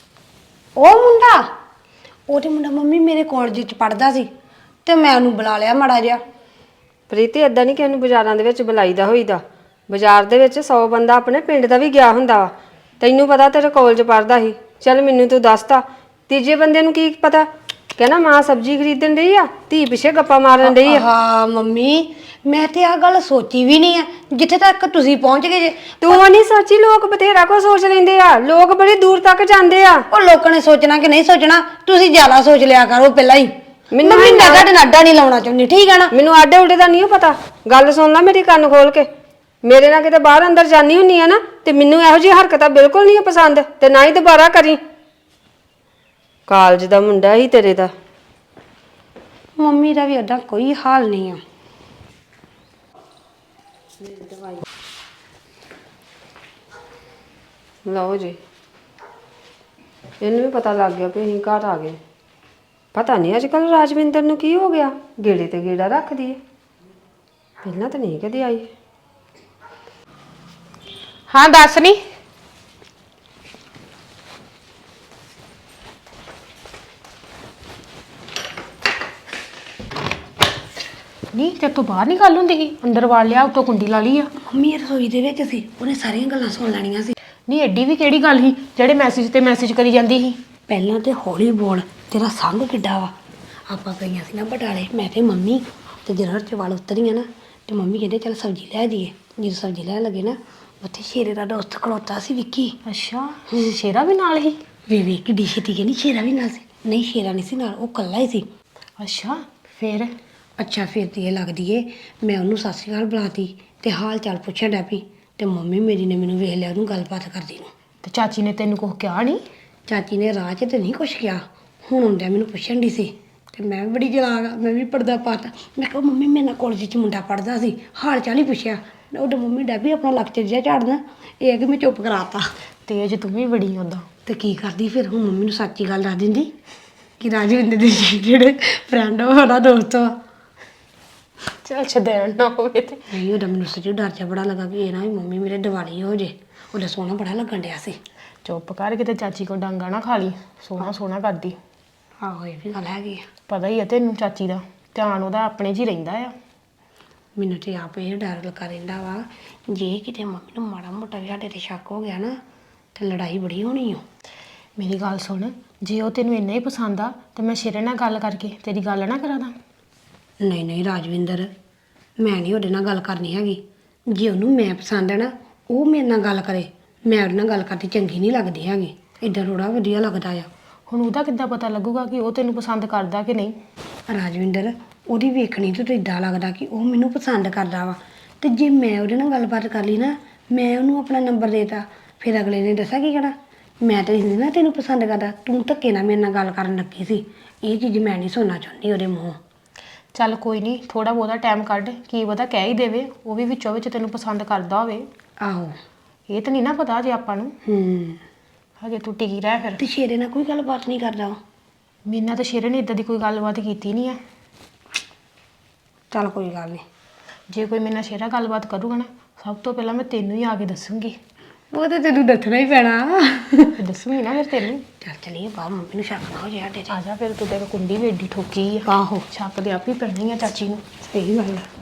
Speaker 6: ਉਹ ਤੇ ਮੁੰਡਾ ਮੰਮੀ ਮੇਰੇ ਕਾਲਜ 'ਚ ਪੜਦਾ ਸੀ ਤੇ ਮੈਂ ਉਹਨੂੰ ਬੁਲਾ ਲਿਆ ਮਾੜਾ ਜਿਹਾ।
Speaker 8: ਪ੍ਰੀਤੀ ਏਦਾਂ ਨਹੀਂ ਕਿ ਉਹਨੂੰ ਬਾਜ਼ਾਰਾਂ ਦੇ ਵਿੱਚ ਬੁਲਾਈਦਾ ਹੋਈਦਾ। ਬਾਜ਼ਾਰ ਦੇ ਵਿੱਚ 100 ਬੰਦਾ ਆਪਣੇ ਪਿੰਡ ਦਾ ਵੀ ਗਿਆ ਹੁੰਦਾ ਵਾ। ਤੈਨੂੰ ਪਤਾ ਤੇਰੇ ਕਾਲਜ ਪੜਦਾ ਸੀ। ਚੱਲ ਮੈਨੂੰ ਤੂੰ ਦੱਸਤਾ, ਤੀਜੇ ਬੰਦੇ ਨੂੰ ਕੀ ਪਤਾ? ਕਹਿੰਦਾ ਮਾਂ ਸਬਜ਼ੀ ਖਰੀਦਣ ਡਈ ਆ, ਧੀ ਪਿੱਛੇ ਗੱਪਾਂ ਮਾਰਨ ਡਈ ਆ।
Speaker 6: ਹਾਂ ਮੰਮੀ, ਮੈਂ ਤੇ ਆ ਗੱਲ ਸੋਚੀ ਵੀ ਨਹੀਂ ਆ ਜਿੱਥੇ ਤੱਕ ਤੁਸੀਂ ਪਹੁੰਚ ਗਏ ਜੇ।
Speaker 8: ਤੂੰ ਨਹੀਂ ਸੱਚੀ, ਲੋਕ ਬਥੇਰਾ ਕੋ ਸੋਚ ਲੈਂਦੇ ਆ, ਲੋਕ ਬੜੀ ਦੂਰ ਤੱਕ ਜਾਂਦੇ ਆ।
Speaker 6: ਉਹ ਲੋਕਾਂ ਨੇ ਸੋਚਣਾ ਕਿ ਨਹੀਂ ਸੋਚਣਾ, ਤੁਸੀਂ ਜ਼ਿਆਦਾ ਸੋਚ ਲਿਆ ਕਰੋ ਪਹਿਲਾਂ ਹੀ।
Speaker 8: ਮੈਨੂੰ
Speaker 6: ਮੰਮੀ ਮੈਂ ਤੁਹਾਡੇ ਨਾਲ ਅੱਡਾ ਨਹੀਂ ਲਾਉਣਾ ਚਾਹੁੰਦੀ, ਠੀਕ ਹੈ ਨਾ?
Speaker 8: ਮੈਨੂੰ ਆਡੇ ਉਡੇ ਦਾ ਨਹੀਂ ਪਤਾ। ਗੱਲ ਸੁਣ ਲੈ ਮੇਰੀ, ਕੰਨ ਖੋਲ ਕੇ। ਮੇਰੇ ਨਾਲ ਕਿਤੇ ਬਾਹਰ ਅੰਦਰ ਜਾਨੀ ਹੁੰਨੀ ਆ ਨਾ, ਤੇ ਮੈਨੂੰ ਇਹੋ ਜਿਹੀ ਹਰਕਤਾਂ ਬਿਲਕੁਲ ਨਹੀਂ ਪਸੰਦ, ਤੇ ਨਾ ਹੀ ਦੁਬਾਰਾ ਕਰੀ। ਕਾਲਜ ਦਾ ਮੁੰਡਾ ਹੀ ਤੇਰੇ ਦਾ।
Speaker 6: ਮੰਮੀ ਦਾ ਵੀ ਓਦਾਂ ਕੋਈ ਹਾਲ ਨਹੀਂ ਆ।
Speaker 8: ਲਓ ਜੀ, ਇਹਨੂੰ ਵੀ ਪਤਾ ਲੱਗ ਗਿਆ ਵੀ ਅਸੀਂ ਘਰ ਆ ਗਏ। ਪਤਾ ਨਹੀਂ ਅੱਜ ਕੱਲ ਰਾਜਵਿੰਦਰ ਨੂੰ ਕੀ ਹੋ ਗਿਆ, ਗੇੜੇ ਤੇ ਗੇੜਾ ਰੱਖਦੀ ਹੈ। ਪਹਿਲਾਂ ਤਾਂ ਨਹੀਂ ਕਦੇ ਆਈ।
Speaker 7: ਹਾਂ ਦੱਸ ਨੀ। ਨਹੀਂ ਤੇ ਤੂੰ ਬਾਹਰ ਨਹੀਂ ਗੱਲ ਹੁੰਦੀ ਸੀ, ਅੰਦਰ ਵਾੜ ਲਿਆ, ਉੱਤੋਂ ਕੁੰਡੀ ਲਾ ਲਈ ਆ।
Speaker 6: ਮੰਮੀ ਰਸੋਈ ਦੇ ਵਿੱਚ ਸੀ, ਉਹਨੇ ਸਾਰੀਆਂ ਗੱਲਾਂ ਸੁਣ ਲੈਣੀਆਂ ਸੀ।
Speaker 7: ਨਹੀਂ ਐਡੀ ਵੀ ਕਿਹੜੀ ਗੱਲ ਸੀ ਜਿਹੜੇ ਮੈਸੇਜ ਤੇ ਮੈਸੇਜ ਕਰੀ ਜਾਂਦੀ ਸੀ?
Speaker 6: ਪਹਿਲਾਂ ਤੇ ਹੌਲੀ ਬੋਲ, ਤੇਰਾ ਸੰਗ ਕਿੱਡਾ ਵਾ। ਆਪਾਂ ਗਈਆਂ ਸੀ ਨਾ ਬਟਾਲੇ, ਮੈਂ ਤੇ ਮੰਮੀ, ਤੇ ਜਿਹੜਾ ਚ ਵਾਲ ਉਤਰੀਆਂ ਨਾ, ਤੇ ਮੰਮੀ ਕਹਿੰਦੇ ਚੱਲ ਸਬਜ਼ੀ ਲੈ ਦੀਏ। ਜਦੋਂ ਸਬਜ਼ੀ ਲੈਣ ਲੱਗੇ ਨਾ, ਉੱਥੇ ਸ਼ੇਰੇ ਦਾ ਦੋਸਤ ਖਲੋਤਾ ਸੀ, ਵਿੱਕੀ।
Speaker 7: ਅੱਛਾ, ਸ਼ੇਰਾ ਵੀ ਨਾਲ ਹੀ?
Speaker 6: ਵੇ ਕਿੱਡੀ ਛੇਤੀ ਕਹਿੰਦੀ ਸ਼ੇਰਾ ਵੀ ਨਾਲ ਸੀ। ਨਹੀਂ ਸ਼ੇਰਾ ਨਹੀਂ ਸੀ ਨਾਲ, ਉਹ ਕੱਲਾ ਹੀ ਸੀ।
Speaker 7: ਅੱਛਾ ਫਿਰ?
Speaker 6: ਅੱਛਾ ਫਿਰ ਤੇ ਇਹ ਲੱਗਦੀ ਏ, ਮੈਂ ਉਹਨੂੰ ਸਤਿ ਸ਼੍ਰੀ ਅਕਾਲ ਬੁਲਾਤੀ ਤੇ ਹਾਲ ਚਾਲ ਪੁੱਛਣ ਡੈ ਪਈ, ਤੇ ਮੰਮੀ ਮੇਰੀ ਨੇ ਮੈਨੂੰ ਵੇਖ ਲਿਆ ਉਹਨੂੰ ਗੱਲਬਾਤ ਕਰਦੀ ਨੂੰ।
Speaker 7: ਤੇ ਚਾਚੀ ਨੇ ਤੈਨੂੰ ਕੁਝ ਕਿਹਾ ਨਹੀਂ?
Speaker 6: ਚਾਚੀ ਨੇ ਰਾਹ 'ਚ ਤੇ ਨਹੀਂ ਕੁਛ ਕਿਹਾ, ਹੁਣ ਆਉਂਦਿਆਂ ਮੈਨੂੰ ਪੁੱਛਣ ਦੀ ਸੀ, ਤੇ ਮੈਂ ਵੀ ਬੜੀ ਚਲਾਕ ਆ, ਮੈਂ ਵੀ ਪਰਦਾ ਪਾਤਾ। ਮੈਂ ਕਿਹਾ ਮੰਮੀ ਮੇਰੇ ਨਾਲ ਕਾਲਜ 'ਚ ਮੁੰਡਾ ਪੜਦਾ ਸੀ, ਹਾਲ ਚਾਲ ਹੀ ਪੁੱਛਿਆ। ਉਹਦੇ ਮੰਮੀ ਡੈ ਵੀ ਆਪਣਾ ਲੱਕ 'ਚ ਜਿਹਾ ਝਾੜਨਾ, ਇਹ ਕਿ ਮੈਂ ਚੁੱਪ ਕਰਾਤਾ।
Speaker 7: ਤੇਜ ਤੂੰ ਵੀ ਬੜੀ ਹੁੰਦਾ।
Speaker 6: ਤੇ ਕੀ ਕਰਦੀ ਫਿਰ, ਹੁਣ ਮੰਮੀ ਨੂੰ ਸੱਚੀ ਗੱਲ ਦੱਸ ਦਿੰਦੀ ਕਿ ਰਾਜਵਿੰਦਰ ਦੇ ਜਿਹੜੇ ਫਰੈਂਡ ਉਹਦਾ ਦੋਸਤ ਆ।
Speaker 7: ਚੱਲ ਛੱਡਣ ਨਾ ਹੋਵੇ ਤੇ।
Speaker 6: ਨਹੀਂ ਉਹਦਾ ਮੈਨੂੰ ਸੱਚੀ ਡਰ ਜਿਹਾ ਬੜਾ ਲੱਗਾ ਕਿ ਇਹ ਨਾ ਵੀ ਮੰਮੀ ਮੇਰੇ ਦਿਵਾਲੀ ਹੋ ਜੇ। ਉਹਦਾ ਸੋਹਣਾ ਬੜਾ ਲੱਗਣ ਡਿਆ ਸੀ।
Speaker 7: ਚੁੱਪ ਕਰ, ਕਿਤੇ ਚਾਚੀ ਕੋ ਡਾਂਗਾ ਨਾ ਖਾ ਲਈ। ਸੋਹਣਾ ਸੋਹਣਾ ਕਰਦੀ।
Speaker 6: ਆਹੋ ਇਹ ਵੀ ਗੱਲ ਹੈਗੀ ਆ।
Speaker 7: ਪਤਾ ਹੀ ਆ ਤੈਨੂੰ ਚਾਚੀ ਦਾ ਧਿਆਨ ਉਹਦਾ ਆਪਣੇ 'ਚ ਹੀ ਰਹਿੰਦਾ ਆ।
Speaker 6: ਮੈਨੂੰ ਤੇ ਆਪ ਇਹ ਡਰ ਲੱਗਾ ਰਹਿੰਦਾ ਵਾ, ਜੇ ਕਿਤੇ ਮੰਮੀ ਨੂੰ ਮਾੜਾ ਮੋਟਾ ਵੀ ਸਾਡੇ ਤੇ ਸ਼ੱਕ ਹੋ ਗਿਆ ਨਾ, ਤੇ ਲੜਾਈ ਬੜੀ ਹੋਣੀ ਓ।
Speaker 7: ਮੇਰੀ ਗੱਲ ਸੁਣ, ਜੇ ਉਹ ਤੈਨੂੰ ਇੰਨਾ ਹੀ ਪਸੰਦ ਆ ਤੇ ਮੈਂ ਸ਼ੇਰੇ ਨਾਲ ਗੱਲ ਕਰਕੇ ਤੇਰੀ ਗੱਲ ਨਾ ਕਰਾ ਦਾਂ।
Speaker 6: ਨਹੀਂ ਨਹੀਂ ਰਾਜਵਿੰਦਰ, ਮੈਂ ਨਹੀਂ ਉਹਦੇ ਨਾਲ ਗੱਲ ਕਰਨੀ ਹੈਗੀ। ਜੇ ਉਹਨੂੰ ਮੈਂ ਪਸੰਦ ਹੈ ਨਾ, ਉਹ ਮੇਰੇ ਨਾਲ ਗੱਲ ਕਰੇ। ਮੈਂ ਉਹਦੇ ਨਾਲ ਗੱਲ ਕਰਦੀ ਚੰਗੀ ਨਹੀਂ ਲੱਗਦੀ ਹੈਗੀ, ਇੱਦਾਂ ਥੋੜ੍ਹਾ ਵਧੀਆ ਲੱਗਦਾ ਆ।
Speaker 7: ਹੁਣ ਉਹਦਾ ਕਿੱਦਾਂ ਪਤਾ ਲੱਗੂਗਾ ਕਿ ਉਹ ਤੈਨੂੰ ਪਸੰਦ ਕਰਦਾ ਕਿ ਨਹੀਂ?
Speaker 6: ਰਾਜਵਿੰਦਰ, ਉਹਦੀ ਵੇਖਣੀ ਤੋਂ ਇੱਦਾਂ ਲੱਗਦਾ ਕਿ ਉਹ ਮੈਨੂੰ ਪਸੰਦ ਕਰਦਾ ਵਾ। ਤੇ ਜੇ ਮੈਂ ਉਹਦੇ ਨਾਲ ਗੱਲਬਾਤ ਕਰ ਲਈ ਨਾ, ਮੈਂ ਉਹਨੂੰ ਆਪਣਾ ਨੰਬਰ ਦੇਤਾ, ਫਿਰ ਅਗਲੇ ਨੇ ਦੱਸਿਆ ਕੀ ਕਹਿਣਾ, ਮੈਂ ਤਾਂ ਇਸ ਨਾ ਤੈਨੂੰ ਪਸੰਦ ਕਰਦਾ, ਤੂੰ ਧੱਕੇ ਨਾਲ ਮੇਰੇ ਨਾਲ ਗੱਲ ਕਰਨ ਲੱਗੀ ਸੀ। ਇਹ ਚੀਜ਼ ਮੈਂ ਨਹੀਂ ਸੁਣਨਾ ਚਾਹੁੰਦੀ ਉਹਦੇ ਮੂੰਹੋਂ।
Speaker 7: ਚੱਲ ਕੋਈ ਨਹੀਂ, ਥੋੜਾ ਬਹੁਤਾ ਟਾਈਮ ਕੱਢ, ਕੀ ਪਤਾ ਕਹਿ ਹੀ ਦੇਵੇ ਉਹ ਵੀ ਵਿੱਚੋਂ ਵਿੱਚ ਤੈਨੂੰ ਪਸੰਦ ਕਰਦਾ ਹੋਵੇ।
Speaker 6: ਆਹੋ
Speaker 7: ਇਹ ਤਾਂ ਨਹੀਂ ਨਾ ਪਤਾ ਜੇ ਆਪਾਂ ਨੂੰ। ਹਜੇ ਤੂੰ ਟਿਕੀ ਰਹਿ ਫਿਰ।
Speaker 6: ਤੇ ਸ਼ੇਰੇ ਨਾਲ ਕੋਈ ਗੱਲਬਾਤ ਨਹੀਂ ਕਰਦਾ ਉਹ?
Speaker 7: ਮੇਰੇ ਨਾਲ ਤਾਂ ਸ਼ੇਰੇ ਨੇ ਇਦਾਂ ਦੀ ਕੋਈ ਗੱਲਬਾਤ ਕੀਤੀ ਨਹੀਂ ਆ।
Speaker 6: ਚੱਲ ਕੋਈ ਗੱਲ ਨਹੀਂ,
Speaker 7: ਜੇ ਕੋਈ ਮੇਰੇ ਨਾਲ ਸ਼ੇਰਾ ਗੱਲਬਾਤ ਕਰੂਗਾ ਨਾ, ਸਭ ਤੋਂ ਪਹਿਲਾਂ ਮੈਂ ਤੈਨੂੰ ਹੀ ਆ ਕੇ ਦੱਸੂਗੀ।
Speaker 6: ਉਹ ਤਾਂ ਤੈਨੂੰ ਦੱਸਣਾ ਹੀ ਪੈਣਾ।
Speaker 7: ਦੱਸੂਗੀ ਨਾ ਫਿਰ ਤੈਨੂੰ।
Speaker 6: ਚੱਲ ਚਲੀਏ ਬਾਹਰ, ਮੰਮੀ ਨੂੰ ਸ਼ੱਕ ਨਾ ਹੋ ਜਾਏ ਸਾਡੇ 'ਚ।
Speaker 7: ਆ ਜਾ ਫਿਰ, ਤੂੰ ਦੇਖ ਕੁੰਡੀ ਵੀ ਏਡੀ ਠੋਕੀ ਆ।
Speaker 6: ਆਹੋ
Speaker 7: ਛੱਕ ਦੇ ਆਪ ਹੀ ਪੈਣੀ ਆ ਚਾਚੀ ਨੂੰ।
Speaker 6: ਸਹੀ ਗੱਲ ਆ।